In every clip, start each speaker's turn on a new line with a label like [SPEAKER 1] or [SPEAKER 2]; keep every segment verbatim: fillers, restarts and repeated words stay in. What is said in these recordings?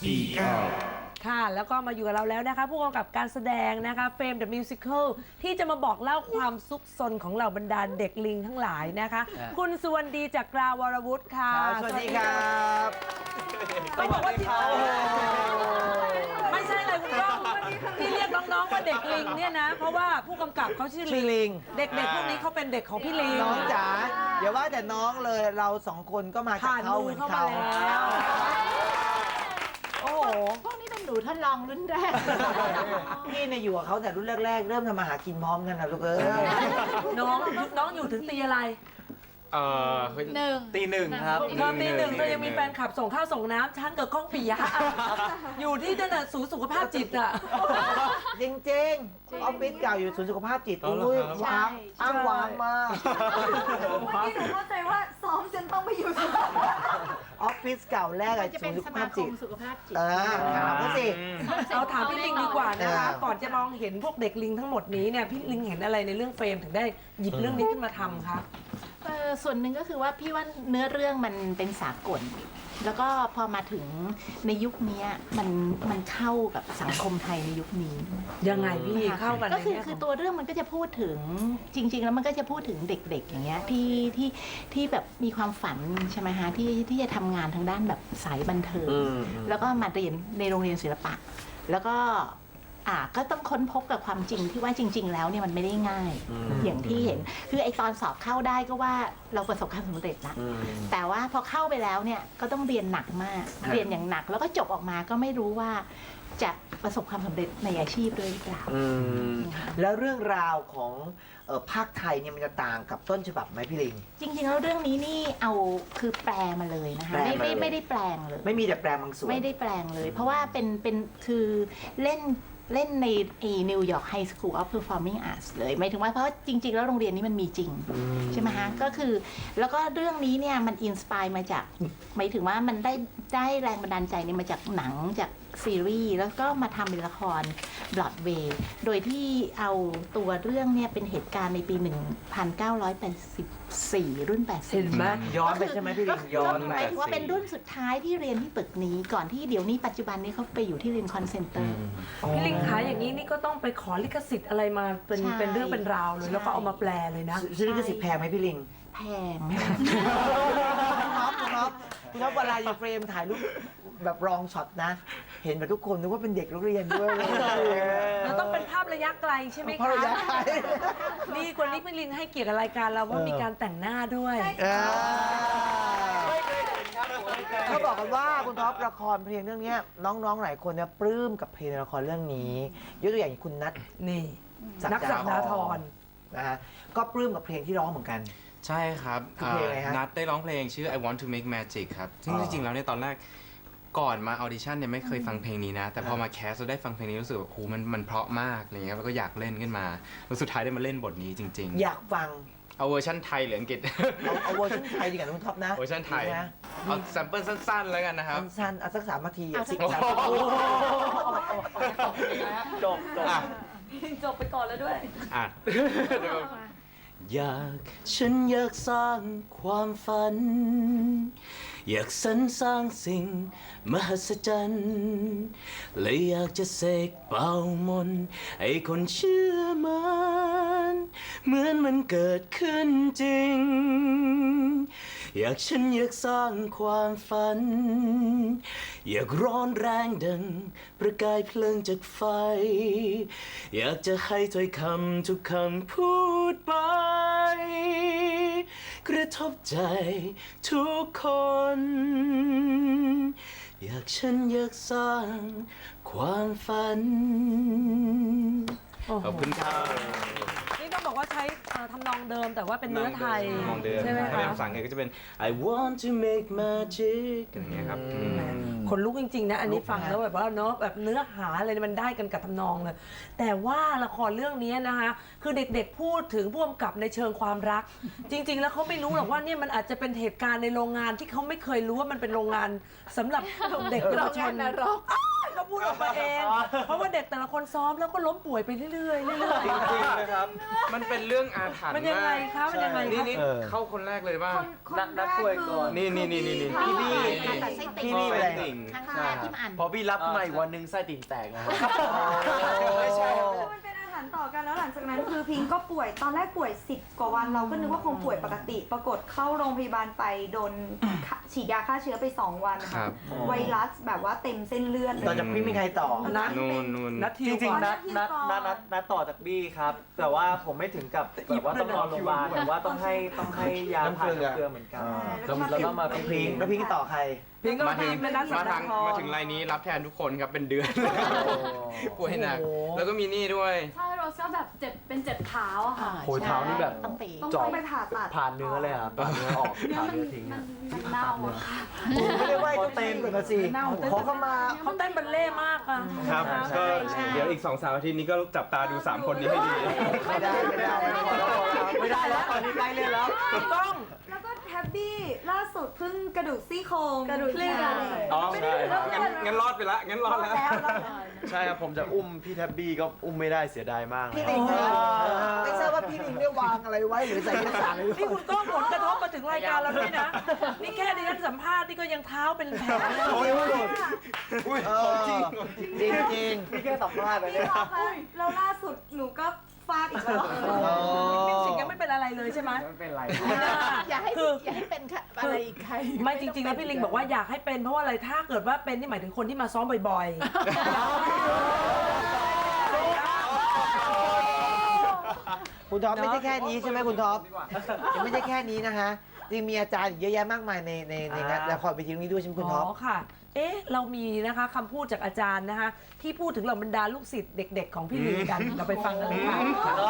[SPEAKER 1] อีเก้า
[SPEAKER 2] ค่ะแล้วก็มาอยู่กับเราแล้วนะคะผู้กำกับการแสดงนะคะเฟรม The Musical ที่จะมาบอกเล่าความซุกซนของเหล่าบรรดาเด็กลิงทั้งหลายนะคะ คุณสุวรรณดีจากกราวรวุฒิค่ะ
[SPEAKER 3] สวัสดีครับ
[SPEAKER 2] ต้องบอกว่าที่ไม่ใช่เลยคุณก้องที่เรียกน้องๆว่าเด็กลิงเนี่ยนะเพราะว่าผู้กำกับเขาชื่อลิงเด็กๆพวกนี้เขาเป็นเด็กของพี่ลิง
[SPEAKER 3] น้องจ๋าเดี๋ยวว่าแต่น้องเลยเราสองคนก็มาจากเขาเหมือนเขา
[SPEAKER 2] โอ้โห
[SPEAKER 4] พวกนี้เป็นหนูทดลองรุ่นแรก
[SPEAKER 3] พี่เนี่ยอยู่กับเขาแต่รุ่นแรกๆ เริ่มทำมาหากินพร้อมกันนะลูกเอ้ย
[SPEAKER 2] น้องน้องอยู่ถึงตีอะไร
[SPEAKER 1] เอ่อ
[SPEAKER 4] หนึ่ง
[SPEAKER 1] ตีหนึ่งครับ
[SPEAKER 2] เธอตีหนึ่งเธอยังมีแฟนคลับส่งข้าวส่งน้ำฉันกับก้องปิยะอยู่ที่นั่นน่ะศูนย์สุขภาพจิตอ่ะ
[SPEAKER 3] จริงๆออฟฟิศเก่าอยู่ศูนย์สุขภาพจิตอุ้ยวางอ้างวางมาก
[SPEAKER 5] เมื่อกี้หนูเข้าใจว่าซ้อมจนต้องไปอยู่สุขภาพ
[SPEAKER 3] ออฟฟิศเก่าแรกอะ
[SPEAKER 4] จะ
[SPEAKER 3] ศู
[SPEAKER 4] เป็น
[SPEAKER 3] นย์สุ
[SPEAKER 4] ส
[SPEAKER 3] ข
[SPEAKER 4] มา
[SPEAKER 3] ภาพ
[SPEAKER 4] ค
[SPEAKER 3] จิ
[SPEAKER 4] ม
[SPEAKER 3] ต
[SPEAKER 4] สุขภาพจิต
[SPEAKER 3] เออถามเขาสิ
[SPEAKER 2] เอาถามพี่ลิงดีกว่านะคะ
[SPEAKER 3] เออ
[SPEAKER 2] ก่อนจะมองเห็นพวกเด็กลิงทั้งหมดนี้เนี่ยพี่ลิงเห็นอะไรในเรื่องเฟรมถึงได้หยิบเรื่องนี้ขึ้นมาทำคะ
[SPEAKER 4] เออส่วนหนึ่งก็คือว่าพี่ว่าเนื้อเรื่องมันเป็นสากล แล้วก็พอมาถึงในยุคนี้มันมันเข้ากับสังคมไทยในยุคนี้
[SPEAKER 2] ยังไงพี่เข้ากัน
[SPEAKER 4] ก็คือ
[SPEAKER 2] ในแง่
[SPEAKER 4] คือ
[SPEAKER 2] ขง
[SPEAKER 4] ตัวเรื่องมันก็จะพูดถึงจริง ๆ แล้วมันก็จะพูดถึงเด็ก ๆ อย่างเงี้ยที่ที่ที่แบบมีความฝันใช่ไหมฮะที่ที่จะทำงานทางด้านแบบสายบันเทิงแล้วก็มาเรียนในโรงเรียนศิลปะ แล้วก็อ่าก็ต้องค้นพบกับความจริงที่ว่าจริง ๆ แล้วเนี่ยมันไม่ได้ง่าย อย่างที่เห็นคือไอตอนสอบเข้าได้ก็ว่าเราประสบความสำเร็จละแต่ว่าพอเข้าไปแล้วเนี่ยก็ต้องเรียนหนักมากเรียนอย่างหนักแล้วก็จบออกมาก็ไม่รู้ว่าจะประสบความสำเร็จในอาชีพด้วยหรือเปล่า
[SPEAKER 3] แล้วเรื่องราวของเอ่อภาคไทยเนี่ยมันจะต่างกับต้นฉบับไหมพี่ลิง
[SPEAKER 4] จริงๆแล้วเรื่องนี้นี่เอาคือแปลมาเลยนะคะ
[SPEAKER 3] แปล
[SPEAKER 4] ไม่
[SPEAKER 3] มา
[SPEAKER 4] ไม่
[SPEAKER 3] เลย
[SPEAKER 4] ไม่ได้แปลงเลย
[SPEAKER 3] ไม่มีแต่แปลบางส่วน
[SPEAKER 4] ไม่ได้แปลงเลย เพราะว่าเป็นเป็นคือเล่นเล่นในนิวยอร์กไฮสคูลออฟเพอร์ฟอร์มิงอาร์ตเลยหมายถึงว่าเพราะจริง ๆ แล้วโรงเรียนนี้มันมีจริง ใช่ไหมฮะก็คือแล้วก็เรื่องนี้เนี่ยมันอินสปายมาจากหมายถึงว่ามันได้ได้แรงบันดาลใจเนี่ยมาจากหนังจากซีรีส์แล้วก็มาทำเป็นละครบรอดเวย์โดยที่เอาตัวเรื่องเนี่ยเป็นเหตุการณ์ในปี หนึ่งพันเก้าร้อยแปดสิบสี่ รุ่น แปดสิบ
[SPEAKER 2] เห็นไหม
[SPEAKER 3] ย้อนไปใช่ไหมพี่ลิงย้อน
[SPEAKER 4] ห
[SPEAKER 3] ไป
[SPEAKER 4] มายถึงว่าเป็นรุ่นสุดท้ายที่เรียนที่ตึกนี้ก่อนที่เดี๋ยวนี้ปัจจุบันนี้เขาไปอยู่ที่รินคอนเซนเตอร์
[SPEAKER 2] พี่ลิงขายอย่างนี้นี่ก็ต้องไปขอลิขสิทธิ์อะไรมาเป็น
[SPEAKER 4] ใช่
[SPEAKER 2] เป็นเรื่องเป็นราวเลย
[SPEAKER 4] ใช่
[SPEAKER 2] แล้วก็เอามาแปลเลยนะ
[SPEAKER 3] ซื้อลิขสิทธิ์แพงไหมพี่ลิง
[SPEAKER 4] แพง
[SPEAKER 3] คุณท็อปคุณท็อปคุณท็อปเวลาอยู่เฟรมถ่ายรูปแบบรองช็อตนะ เห็นแบบทุกคนนึกว่าเป็นเด็กนักเรียนด้วย
[SPEAKER 2] แล้วต้องเป็นภาพระยะไกลใช่ไหม
[SPEAKER 3] ภาพ
[SPEAKER 2] คะ
[SPEAKER 3] ระยะไกล
[SPEAKER 2] นี่คนนี้พี่ลิงให้เกียรติกับรายการเราว่ามีการแต่งหน้าด้วย
[SPEAKER 3] เออเขาบอกกันว่าคุณท็อปละครเพลงเรื่องนี้น้องๆหลายคนเนี่ยปลื้มกับเพลงในละครเรื่องนี้ยกตัวอย่างอย่างคุณนัท
[SPEAKER 2] นี่
[SPEAKER 3] ศั
[SPEAKER 2] นักสักดาธร
[SPEAKER 3] นะฮะก็ปลื้มกับเพลงที่ร้องเหมือนกัน
[SPEAKER 1] ใช่ครับ
[SPEAKER 3] คือเพลงอะไรฮะ
[SPEAKER 1] นัดได้ร้องเพลงชื่อ I Want to Make Magic ครับ ซึ่ง
[SPEAKER 3] อ๋อ
[SPEAKER 1] จริงๆ แล้วในยตอนแรกก่อนมาออดิชั่นเนี่ยไม่เคยฟังเพลงนี้นะ แต่พอมาแคสเราได้ฟังเพลงนี้รู้สึกว่าโอ้โหมันมันเพราะมากอะไรเงี้ยแล้วก็อยากเล่นขึ้นมาแล้วสุดท้ายได้มาเล่นบทนี้จริง
[SPEAKER 3] อยากฟัง
[SPEAKER 1] ๆ เอาเวอร์ชันไทยหรืออังกฤษ
[SPEAKER 3] เอาเอาเวอร์ชันไทยดีกว่าคุณท็อปนะ
[SPEAKER 1] เวอร์ชันไทย
[SPEAKER 3] ดีนะ
[SPEAKER 1] เอาแซมเปิลสั้นๆ แล้วกันนะครับ
[SPEAKER 3] สั้นๆเอาสักสามนาที
[SPEAKER 4] เอาสั
[SPEAKER 3] สิ
[SPEAKER 4] ก
[SPEAKER 3] บนาที
[SPEAKER 1] จบจบอ่ะ
[SPEAKER 2] จบไปก่อนแล้วด้วย
[SPEAKER 1] อ่ะ
[SPEAKER 6] อยากฉันอยากสร้างความฝัน อยากสรรสร้างสิ่งมหัศจรรย์และอยากจะเสกเป่ามนต์ให้คนเชื่อมันเหมือนมันเกิดขึ้นจริง อยากฉันอยากสร้างความฝัน อยากร้อนแรงดังประกายเพลิงจากไฟ อยากจะให้ถ้อยคำทุกคำพูดไป กระทบใจทุกคน อยากฉันอยากสร้างความฝัน
[SPEAKER 1] ขอบคุณครับ
[SPEAKER 2] นี่ต้องบอกว่าใช้เอ่อทำนองเดิมแต่ว่าเป็นเนื้อไทย
[SPEAKER 1] มองเดิม
[SPEAKER 2] ใช่ไหม
[SPEAKER 1] ถ้าเป็น
[SPEAKER 2] คะ
[SPEAKER 1] ภาษาอังกฤษก็จะเป็น
[SPEAKER 6] I want to make magic
[SPEAKER 1] อย่างเงี้ยครับ
[SPEAKER 2] คนลุกจริงๆนะอันนี้ฟังแล้วแบบว่าเนาะแบบเนื้อหาอะไรมันได้กันกับทำนองเลยแต่ว่าละครเรื่องนี้นะคะคือเด็กๆพูดถึงผู้กำกับในเชิงความรัก จริง ๆ แล้วเขาไม่รู้หรอกว่าเนี่ยมันอาจจะเป็นเหตุการณ์ในโรงงานที่เขาไม่เคยรู้ว่ามันเป็นโรงงานสำหรับเด็กเยาวชน
[SPEAKER 4] โรงงานนรก
[SPEAKER 2] โรเขาพูดออกมาเอง เพราะว่าเด็กแต่ละคนซ้อมแล้วก็ล้มป่วยไปเรื่อยๆเรื่อย
[SPEAKER 1] จริงๆนะครับ มันเป็นเรื่องอาถรร
[SPEAKER 2] ๆ
[SPEAKER 1] พ์
[SPEAKER 2] มันยังไง
[SPEAKER 1] มาก
[SPEAKER 2] คะมันยังไง
[SPEAKER 1] นี่
[SPEAKER 2] คะ
[SPEAKER 1] นี่
[SPEAKER 3] เออ
[SPEAKER 1] เข้าคนแรกเลยป่ะ
[SPEAKER 5] คนคน
[SPEAKER 7] นักนัก
[SPEAKER 5] แร
[SPEAKER 7] ช่วยก่อน
[SPEAKER 1] นี่นี่นี่นี่นี่
[SPEAKER 3] พี่บี้
[SPEAKER 4] ผ่าตัดไส้ติ่ง
[SPEAKER 3] พี่บี้อะไร
[SPEAKER 1] ติ่ง
[SPEAKER 4] ครั้งแรกที่มาอ่าน
[SPEAKER 7] พอพี่รับขึ้นมาอีกวันหนึงไส้ติ่งแตกนะครับ
[SPEAKER 3] ไม่ใช่
[SPEAKER 5] คือมันเป็นอาหารต่อกันแล้วหลังจากนั้นคือพิงก็ป่วยตอนแรกป่วยสิบกว่าวันเราก็นึกว่าคงป่วยปกติ ปรากฏเข้าโรงพยาบาลไปโดนฉีดยาฆ่าเชื้อไปสองวัน
[SPEAKER 1] ครั
[SPEAKER 5] ค่ะ
[SPEAKER 1] บ
[SPEAKER 5] ไวรัสแบบว่าเต็มเส้นเลือดเล
[SPEAKER 3] ต่อย จากพี่มีใครต่อ
[SPEAKER 2] นัด
[SPEAKER 1] นู่นนู่น
[SPEAKER 2] นัดทิ
[SPEAKER 7] จ
[SPEAKER 2] ว
[SPEAKER 7] ริง
[SPEAKER 2] ก่อน
[SPEAKER 7] ๆนัดนัดนัดนัดนัดต่อจากบี้ครับ แต่ว่าผมไม่ถึงกับแบบว่าต้องนอนโรงพยาบาลแต่ว่าต้องให้ต้องให้ยาถ่ายน้ำเกลือเหมือนกัน
[SPEAKER 5] แล้วก็มา
[SPEAKER 7] แล้วก็มา
[SPEAKER 3] น้อง
[SPEAKER 7] พิ
[SPEAKER 3] พิ
[SPEAKER 7] ง
[SPEAKER 3] งค์แล้วพิงค์ต่อใคร
[SPEAKER 2] พิงก็
[SPEAKER 1] มาถึง
[SPEAKER 2] พิงเป็นนัดสั
[SPEAKER 1] มา
[SPEAKER 2] ป
[SPEAKER 1] ทา
[SPEAKER 2] ดาง ห์
[SPEAKER 1] มาถึงรายนี้รับแทนทุกคนครับเป็นเดือนป่วยหนัก
[SPEAKER 3] โอ้โห
[SPEAKER 1] แล้วก็มีนี่ด้วย
[SPEAKER 8] ใช่โรสก็แบบเจ็บเป็นเจ็บเท้าอะค่ะ
[SPEAKER 7] โอ้ยเท้านี่แบบ
[SPEAKER 4] ต้องไป
[SPEAKER 5] ต้อง
[SPEAKER 7] เจาะ
[SPEAKER 5] ต้องไปผ่าตัด
[SPEAKER 7] ผ่านเนื้อเลยครับผ่านเนื้อออก
[SPEAKER 8] เนี่ย
[SPEAKER 7] ผ่าน
[SPEAKER 8] มัน
[SPEAKER 7] เนื้อทิ้ง
[SPEAKER 8] มั
[SPEAKER 7] อะ
[SPEAKER 8] นมันเน่าอะค่ะ
[SPEAKER 3] ไม่ได้ไหวเจ้าที่ก่อนนะสิขอเข้ามา
[SPEAKER 2] เขาเต้นบัลเล่ต์มากอ่ะ
[SPEAKER 1] ครับ
[SPEAKER 2] ใช่
[SPEAKER 1] ก็เดี๋ยวอีกสองสามอาทิตย์นี้ก็จับตาดูสามคนนี้ให้ดี
[SPEAKER 3] ไม่ได้ไม่ได้ไม่ได้
[SPEAKER 7] ไม่ได้แล้วตอนนี้ใกล้เล่นแล้ว
[SPEAKER 2] ถูกต้อง
[SPEAKER 5] แล้วก็แฮปปี้ล่าสุดเพิ่งกระดูกซี่โครง
[SPEAKER 8] กระดูก
[SPEAKER 5] เคลื่อน
[SPEAKER 1] อ๋อ
[SPEAKER 5] ไม่ได้
[SPEAKER 1] ใช่
[SPEAKER 5] แล้ว
[SPEAKER 1] งั้นงั้นรอดไปละงั้นรอดแล้ว
[SPEAKER 7] ใช่ครับผมจะอุ้มพี่แท็บบี้ก็อุ้มไม่ได้เสียดายมาก
[SPEAKER 3] พี่ลิงนะไม่ทราบว่าพี่ลิงได้วางอะไรไว้หรือใส่เอกสารอะไรไว้
[SPEAKER 2] นี่คุณก็ผลกระทบมาถึงรายการเราด้วยนะ นี่แค่ดิฉันสัมภาษณ์นี่ก็ยังเท้าเป็นแผลเลย
[SPEAKER 3] โอ้ยหลุด
[SPEAKER 1] อุ้ย
[SPEAKER 3] เอ
[SPEAKER 1] ข
[SPEAKER 3] อ
[SPEAKER 1] องจริง
[SPEAKER 3] จริงจริง
[SPEAKER 7] พี่แค่สัมภาษณ์นะ
[SPEAKER 5] พี่
[SPEAKER 7] เนี่ย
[SPEAKER 5] ท็อปคะแล้วล่าสุดหนูก็ฟาดอีกแล้ว
[SPEAKER 2] มิวสิกยังไม่เป็นอะไรเลยใช่ไหม
[SPEAKER 7] ไม่เป็นไร
[SPEAKER 4] อย่าให้
[SPEAKER 2] คือ
[SPEAKER 4] อย่าให้เป็นค่ะอะไรอีกใคร
[SPEAKER 2] ไม่จริงๆแล้วพี่ลิงบอกว่าอยากให้เป็นเพราะว่าอะไรถ้าเกิดว่าเป็นนี่หมายถึงคนที่มาซ้อมบ่อยๆ
[SPEAKER 3] คุณท็อปไม่ใช่แค่นี้ใช่ไหมคุณท็อปยังไม่ใช่แค่นี้นะคะจริงมีอาจารย์อีกเยอะแยะมากมายในในในงานละครเวทีนี้ด้วยใช่ไหมคุณท็อป
[SPEAKER 2] อ๋อค่ะ เอ๊ะ เรามีนะคะคำพูดจากอาจารย์นะคะ ที่พูดถึงเหล่าบรรดาลูกศิษย์เด็กๆของพี่ลิงกัน เราไปฟังกันเลยค่ะ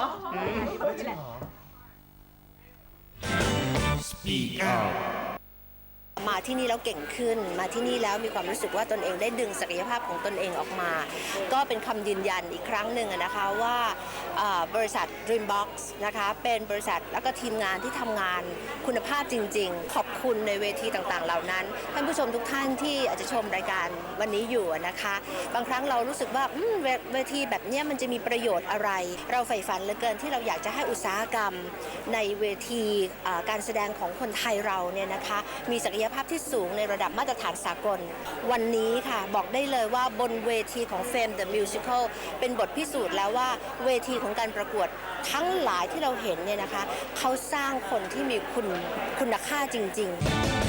[SPEAKER 9] มาที่นี่แล้วเก่งขึ้น มาที่นี่แล้วมีความรู้สึกว่าตนเองได้ดึงศักยภาพของตนเองออกมา ก็เป็นคำยืนยันอีกครั้งหนึ่งอะนะคะว่าอ่าบริษัท Dreambox นะคะเป็นบริษัทแล้วก็ทีมงานที่ทำงานคุณภาพจริงๆ ขอบคุณในเวทีต่างๆ เหล่านั้นท่านผู้ชมทุกท่านที่อาจจะชมรายการวันนี้อยู่อะนะคะ บางครั้งเรารู้สึกว่าอืมเวเวทีแบบเนี้ยมันจะมีประโยชน์อะไร เราใฝ่ฝันเหลือเกินที่เราอยากจะให้อุตสาหกรรมในเวทีอ่าการแสดงของคนไทยเราเนี่ยนะคะมีศักยภาพที่สูงในระดับมาตรฐานสากล วันนี้ค่ะบอกได้เลยว่าบนเวทีของ Fame the Musical เป็นบทพิสูจน์แล้วว่าเวทีของการประกวดทั้งหลายที่เราเห็นเนี่ยนะคะเขาสร้างคนที่มีคุณคุณค่าจริงๆ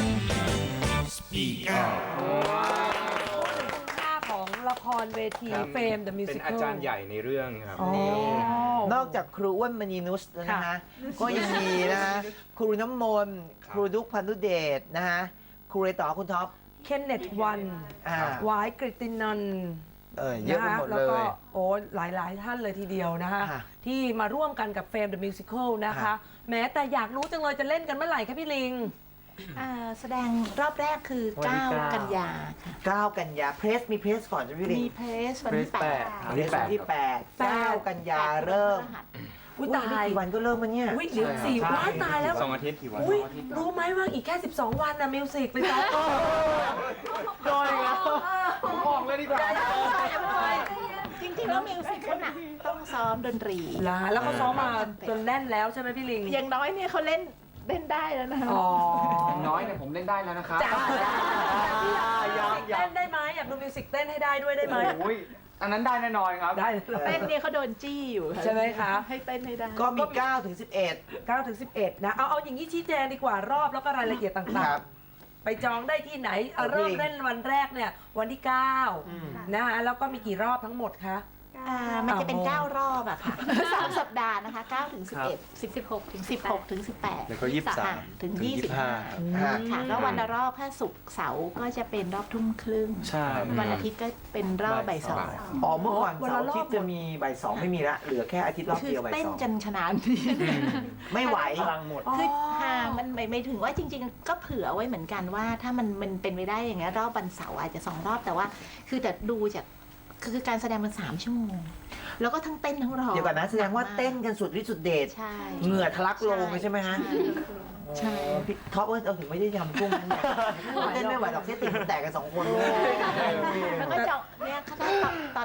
[SPEAKER 2] ค่าของละครเวที
[SPEAKER 1] ครับ
[SPEAKER 2] เฟม The
[SPEAKER 1] เป็น
[SPEAKER 2] Musical
[SPEAKER 1] อาจารย์ใหญ่ในเรื่องครับ
[SPEAKER 2] อ๋อ
[SPEAKER 3] นอกจากครูอ้วนมณีนุชแล้วนะคะ ก็ยังมีนะคะครูน้ำมนต์
[SPEAKER 1] ครับ
[SPEAKER 3] ครูดุ๊กพันธุเดชนะคะครูเรต่อคุณท็อป
[SPEAKER 2] เคนเนตวัน
[SPEAKER 3] อ่า
[SPEAKER 2] หวายกฤตินันท์
[SPEAKER 3] เออเยอะไปหมด
[SPEAKER 2] แล้
[SPEAKER 3] เล
[SPEAKER 2] วก็
[SPEAKER 3] ย
[SPEAKER 2] โอ้หลาย ๆ ท่านเลยทีเดียวนะคะ
[SPEAKER 3] ค่ะ
[SPEAKER 2] ที่มาร่วมกันกับ Fame the Musical นะคะ
[SPEAKER 3] ค่ะ
[SPEAKER 2] แม้แต่อยากรู้จังเลยจะเล่นกันเมื่อไหร่คะพี่ลิง
[SPEAKER 4] อ่าแสดงรอบแรกคือ
[SPEAKER 7] วันที่
[SPEAKER 4] เก้า
[SPEAKER 7] เก้า
[SPEAKER 4] กันยาค่ะ
[SPEAKER 3] เก้ากันยาเพรสมีเพรสก่อนใช่ไหมพี่ลิง
[SPEAKER 4] มีเพลสวันที่
[SPEAKER 7] เพลส
[SPEAKER 4] แป
[SPEAKER 7] แป
[SPEAKER 4] ด
[SPEAKER 7] ด
[SPEAKER 3] เพรสวันที่แปด
[SPEAKER 2] แปด
[SPEAKER 3] เก้ากันยาเริ่ม
[SPEAKER 2] อุ้ย
[SPEAKER 3] อุ๊ย
[SPEAKER 2] ตา
[SPEAKER 3] ไม่
[SPEAKER 2] ย
[SPEAKER 3] กี่วันก็เริ่มมันเนี่ย
[SPEAKER 2] อุ้ยเหลือสี่ว้ายตายแล้ว
[SPEAKER 1] สองอาทิตย์
[SPEAKER 2] อุ้ยรู้ไหมว่าอีกแค่ สิบสอง วันนะมิวสิกไปซ้อม
[SPEAKER 7] โดนอีกแล้วผมออกเลยดีกว่า
[SPEAKER 4] จริงๆแล้วมิวสิกเขาหนักต้องซ้อมดนตรี
[SPEAKER 2] นะแล้วเขาซ้อมมาจนแน่นแล้วใช่ไหมพี่ลิง
[SPEAKER 4] อย่างน้อยเนี่ยเขาเล่นเล่นได้แล้วนะคะ
[SPEAKER 2] อ๋อ
[SPEAKER 7] น้อยเนี่ยผมเล่นได้แล้วนะครับ
[SPEAKER 2] จ้า
[SPEAKER 7] ยัง
[SPEAKER 2] เต้นได้ไหมอยากดูมิวสิกเต้นให้ได้ด้วยได้ไหม
[SPEAKER 7] โอ้ยอันนั้นได้แน่นอนครับ
[SPEAKER 2] ได้
[SPEAKER 4] เต้นเนี่ยเขาโดนจี้อยู่ค่ะ
[SPEAKER 2] ใช่ไหมคะ
[SPEAKER 4] ให้เต้นให้ได้
[SPEAKER 3] ก็มีเก้าถึงสิบเอ็ด
[SPEAKER 2] เก้าถึงสิบเอ็ดนะเอาเอาอย่างนี้ชี้แจงดีกว่ารอบแล้วก็รายละเอียด
[SPEAKER 3] ค
[SPEAKER 2] ต่าง
[SPEAKER 3] รับ
[SPEAKER 2] ๆ ไปจองได้ที่ไหนเอา
[SPEAKER 3] โอเค
[SPEAKER 2] เริ่มเล่นวันแรกเนี่ยวันที่เก้านะคะแล้วก็มีกี่รอบทั้งหมดคะ
[SPEAKER 4] อ่ามันจะเป็น
[SPEAKER 2] อ๋อ
[SPEAKER 4] เก้ารอบอะค่ะสามสัปดาห์นะคะเก้าถึงสิบเอ็ด
[SPEAKER 8] สิบสิบหกถึง
[SPEAKER 4] สิบหกถึงสิบแปด
[SPEAKER 7] แล้วก็ยี่สิบสาม
[SPEAKER 4] ถึงยี่สิบห้า
[SPEAKER 3] ค่ะ
[SPEAKER 4] ค่ะก็วันละรอบถ้าศุกร์เสาร์ก็จะเป็นรอบทุ่มครึ่ง
[SPEAKER 7] ใช่
[SPEAKER 4] วันอาทิตย์ก็เป็นรอบบ่ายสอง
[SPEAKER 3] อ๋อเมื่อก่อน
[SPEAKER 2] วัน
[SPEAKER 3] เสา
[SPEAKER 2] ละ
[SPEAKER 3] ร์
[SPEAKER 2] รอบ
[SPEAKER 3] อาทิตย์จะมีบ่ายสองไม่มีละเหลือแค่อาทิตย์รอบ
[SPEAKER 4] คือ
[SPEAKER 3] เดียวบ่าย
[SPEAKER 4] เต้น
[SPEAKER 3] สอง
[SPEAKER 4] จนชนะที่
[SPEAKER 3] ไม่ไหว
[SPEAKER 7] พลังหมด
[SPEAKER 4] คือห่างมันไม่ไม่ถึงว่าจริง ๆ ก็เผื่อไว้เหมือนกันว่าถ้ามันมันเป็นไปได้อย่างเงี้ยรอบวันเสาร์อาจจะสองรอบแต่ว่า คือแต่ดูจากคือการแสดงมันสามชั่วโมง แล้วก็ทั้งเต้นทั้งร้อง
[SPEAKER 3] เดี๋ยวก่อนนะแสดงว่าเต้นกันสุดฤทธิ์สุดเดช
[SPEAKER 4] ใช่
[SPEAKER 3] เหงื่อทะลักโลงเลยใช่ไหมฮะ
[SPEAKER 4] ใช่
[SPEAKER 3] โอ้พี่ท็อปเออเอาถึงไม่ได้ยำกุ้งนะเนี่ยเต้นไม่ไหวหรอกเส้นติ่งแตกกันสองคนเลย
[SPEAKER 4] แล้วก็จะเนี่ยข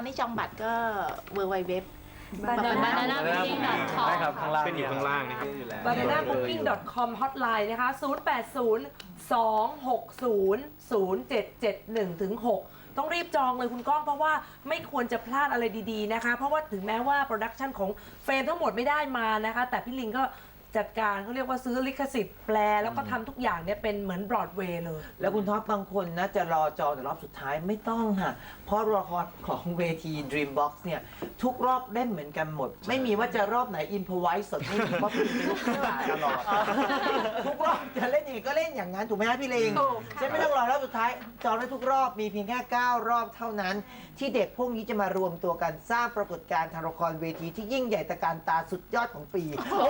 [SPEAKER 4] นี้จองบัตรก็ เวิลด์ ไวด์ เว็บ
[SPEAKER 8] banana booking dot com
[SPEAKER 7] ได้ครับข้างล่าง
[SPEAKER 1] เป็นอยู่ข้างล่างนะครับ
[SPEAKER 7] อยู่แล้ว
[SPEAKER 2] banana booking dot com hotline นะคะ ศูนย์ แปด ศูนย์ สอง หก ศูนย์ ศูนย์ เจ็ด เจ็ด หนึ่ง ถึง หก ต้องรีบจองเลยคุณก้องเพราะว่าไม่ควรจะพลาดอะไรดีๆนะคะ เพราะว่าถึงแม้ว่าโปรดักชันของเฟรมทั้งหมดไม่ได้มานะคะ แต่พี่ลิงก็จัดการเขาเรียกว่าซื้อลิขสิทธิ์แปลแล้วก็ทำทุกอย่างเนี่ยเป็นเหมือนบรอดเวย์เลย
[SPEAKER 3] แล้วคุณท็อปบางคนนะจะรอจองแต่รอบสุดท้ายไม่ต้องค่ะ เพราะละครของเวที Dreambox เนี่ยทุกรอบเล่นเหมือนกันหมด ไม่มีว่าจะรอบไหนอินพไวส์สดไม่มีเพราะพี่เป็นลูกค้าตลอด ทุกรอบจะเล่นยังไงก็เล่นอย่างนั้นถูกไหมฮะพี่ลิง
[SPEAKER 4] ถูกค่ะ
[SPEAKER 3] ฉันไม่ต้องรอรอบสุดท้ายจองได้ทุกรอบมีเพียงแค่เก้ารอบเท่านั้น ที่เด็กพวกนี้จะมารวมตัวกันสร้างปรากฏการณ์ทางละครเวทีที่ยิ่งใหญ่ตระการตาสุดยอดของปี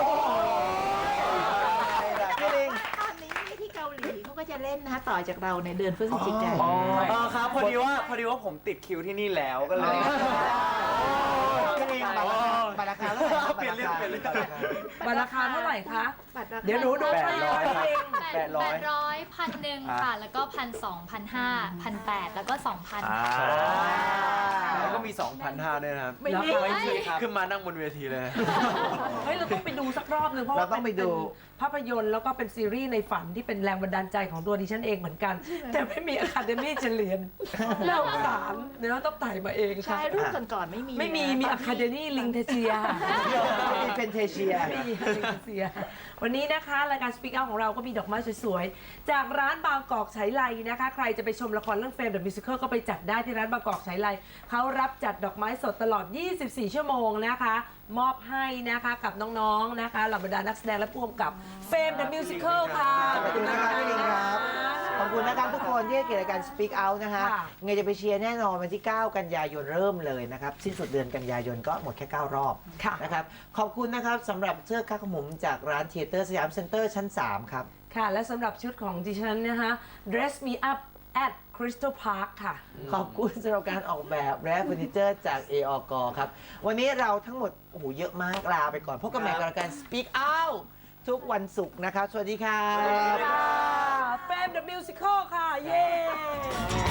[SPEAKER 3] พี่ลิง
[SPEAKER 4] ตอนนี้ที่เกาหลีเขาก็จะเล่นนะคะต่อจากเราในเดือนพฤศจิกายน
[SPEAKER 7] เออครับพอดีว่าพอดีว่าผมติดคิวที่นี่แล้วก็เลย
[SPEAKER 3] พี่ลิงบัตรราคาเท่าไหร่ครับ
[SPEAKER 7] เปลี่ยนเรื่องเปลี่ยนเรื่อง
[SPEAKER 2] บัตรราคาเท่าไหร่คะ
[SPEAKER 4] บัตรราคา
[SPEAKER 2] เดี๋ยวหนูดู
[SPEAKER 7] แปดร้อยครับ
[SPEAKER 2] เอง
[SPEAKER 7] แปดร้อย
[SPEAKER 8] แปดร้อยพันหนึ่งค่ะ แล้วก็พันสองพันห้าพันแปดแล้วก็สองพัน
[SPEAKER 7] อ่าแล้วก็มี สองพันห้าด้วยนะครับ
[SPEAKER 2] ไม่มี
[SPEAKER 7] ขึ้นมานั่งบนเวทีเลย
[SPEAKER 2] เฮ้ยเราต้องไปดูสักรอบหนึงเพราะว่า
[SPEAKER 3] เราต้องไปดู
[SPEAKER 2] เป็นภาพยนตร์แล้วก็เป็นซีรีส์ในฝันที่เป็นแรงบันดาลใจของตัวดิฉันเองเหมือนกัน แต่ไม่มีอะคาเดมี่จะเรียนน่าสงสารเดี๋ยวต้องไต่มาเองค่ะ
[SPEAKER 4] ใช่รุ่นก่อนๆไม่มี
[SPEAKER 2] ไม่มีมีอะคาเดมี่ลิงเทเชีย
[SPEAKER 3] ไม่มีเป็นเทเชีย
[SPEAKER 2] ไม่มีลิงเทเชียวันนี้นะคะรายการ Speak Out ของเราก็มีดอกไม้สวยๆ จากร้านบางกอกไฉไลนะคะ ใครจะไปชมละครเรื่องเฟรมเดอะมิวสิคลก็ไปจัดได้ที่ร้านบางกอกไฉไลเขารับจัดดอกไม้สดตลอด ยี่สิบสี่ ชั่วโมงนะคะ มอบให้นะคะกับน้องๆนะคะเหล่าบรรดานักแสดงและผู้กำกับเฟรมเดอะมิวสิคลค่ะ
[SPEAKER 3] ขอบคุณนะครับพี่ลิงครับ ขอบคุณนะครับทุกคนที่ให้เกียรติรายการ Speak Out นะคะ
[SPEAKER 2] ค่ะ
[SPEAKER 3] ไงจะไปเชียร์แน่นอนวันที่ เก้า กันยายนเริ่มเลยนะครับ สิ้นสุดเดือนกันยายนก็หมดแค่ เก้ารอบ
[SPEAKER 2] ค่ะ
[SPEAKER 3] นะครับ ขอบคุณนะครับสำหรับเสื้อคาขมุมจากร้านเทเตอร์สยามเซ็นเตอร์ชั้น สาม ครับ
[SPEAKER 2] ค่ะ และสำหรับชุดของดิฉันนะคะ Dress Me Up at Crystal Park ค่ะ
[SPEAKER 3] ขอบคุณสำหรับการออกแบบและเฟอร์นิเจอร์จาก เอ อ ก ครับ วันนี้เราทั้งหมดโอ้โหเยอะมากลาไปก่อนพบกันใหม่กับรายการ Speak Out ทุกวันศุกร์นะครับ สวัสดีครับ
[SPEAKER 2] เฟรมเดอะมิวสิคลค่ะ เย้